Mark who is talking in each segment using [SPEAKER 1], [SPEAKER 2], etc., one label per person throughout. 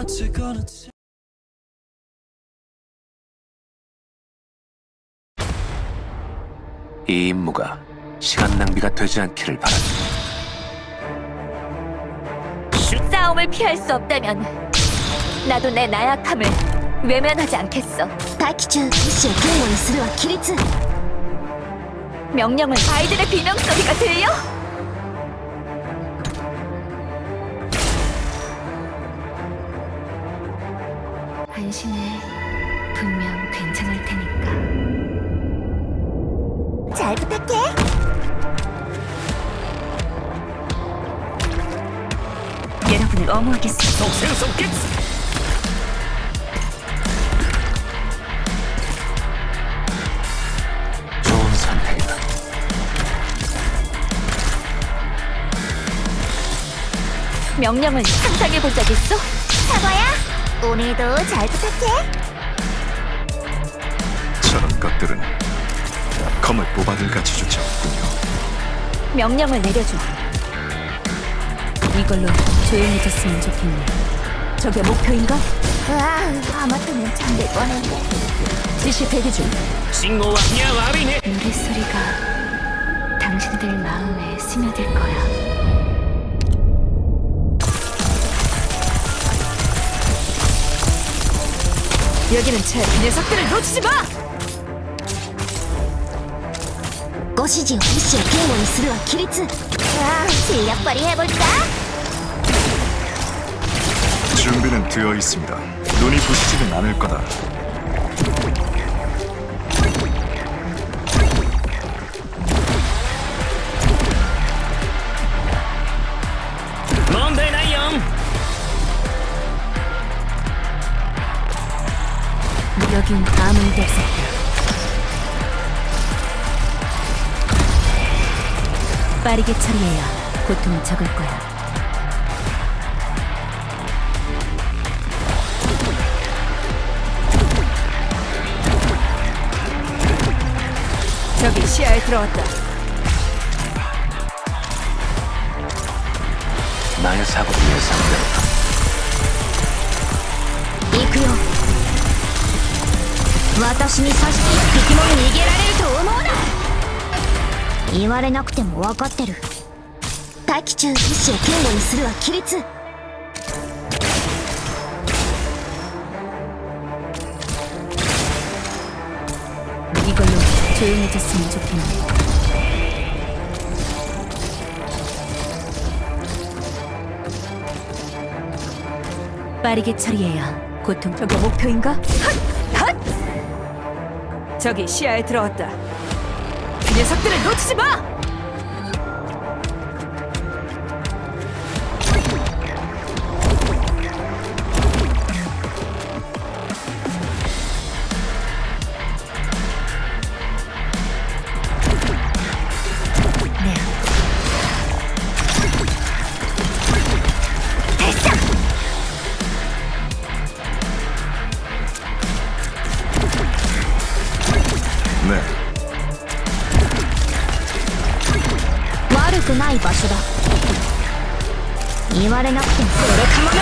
[SPEAKER 1] 이 임무가 시간 낭비가 되지 않기를 바란다.
[SPEAKER 2] 싸움을 피할 수 없다면 나도 내 나약함을 외면하지 않겠어.
[SPEAKER 3] 大気中意志を堅固にするは規律
[SPEAKER 2] 명령을 아이들의 비명 소리가 들려? 안심해. 분명 괜찮을 테니까.
[SPEAKER 3] 잘 부탁해
[SPEAKER 2] 여러분을 엄호하겠습니다.
[SPEAKER 1] 좋은 선택이다.
[SPEAKER 2] 명령을 상상해본 적 있어?
[SPEAKER 3] 사과야 오늘도 잘 부탁해
[SPEAKER 4] 저런 것들은 검을 뽑아들 가치조차 없군요.
[SPEAKER 2] 명령을 내려줘. 이걸로 조용해졌으면 좋겠네. 저게 목표인가?
[SPEAKER 3] 아마터면 잠들 뻔했네
[SPEAKER 2] 지시 대기 중.
[SPEAKER 5] 信号はいや悪いね
[SPEAKER 2] 노랫소리가 당신들 마음에 스며들 거야. 여기는 제 녀석들을 놓치지 마!
[SPEAKER 3] ご指示を意志を堅固にするは規律 실력발휘 해볼까?
[SPEAKER 4] 준비는 되어 있습니다. 눈이 부시지는 않을 거다.
[SPEAKER 5] 문제ないよ
[SPEAKER 2] 여긴 아무 일도 없었다. 빠르게 처리해야 고통이 적을 거야. 저기 시야에 들어왔다.
[SPEAKER 1] 나의 사고를 예상대로
[SPEAKER 3] 行くよ私に刺して一匹も逃げられると思うな言われなくても分かってる大気中意志を堅固にするは規律
[SPEAKER 2] 이걸로 조용해졌으면 좋겠네. 빠르게 처리해야 고통. 저게 목표인가? 핫! 핫! 저기 시야에 들어왔다. 그 녀석들을 놓치지 마!
[SPEAKER 4] 네,
[SPEAKER 3] 悪くない場所だ言われなくてもそれかも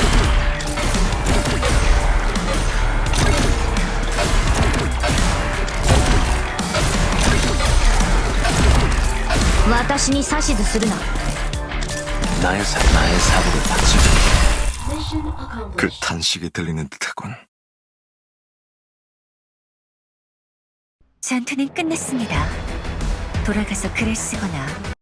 [SPEAKER 3] な私に指図するな
[SPEAKER 1] 나의 사고를 받지.
[SPEAKER 4] 그 탄식이 들리는 듯하군.
[SPEAKER 2] 전투는 끝났습니다. 돌아가서 글을 쓰거나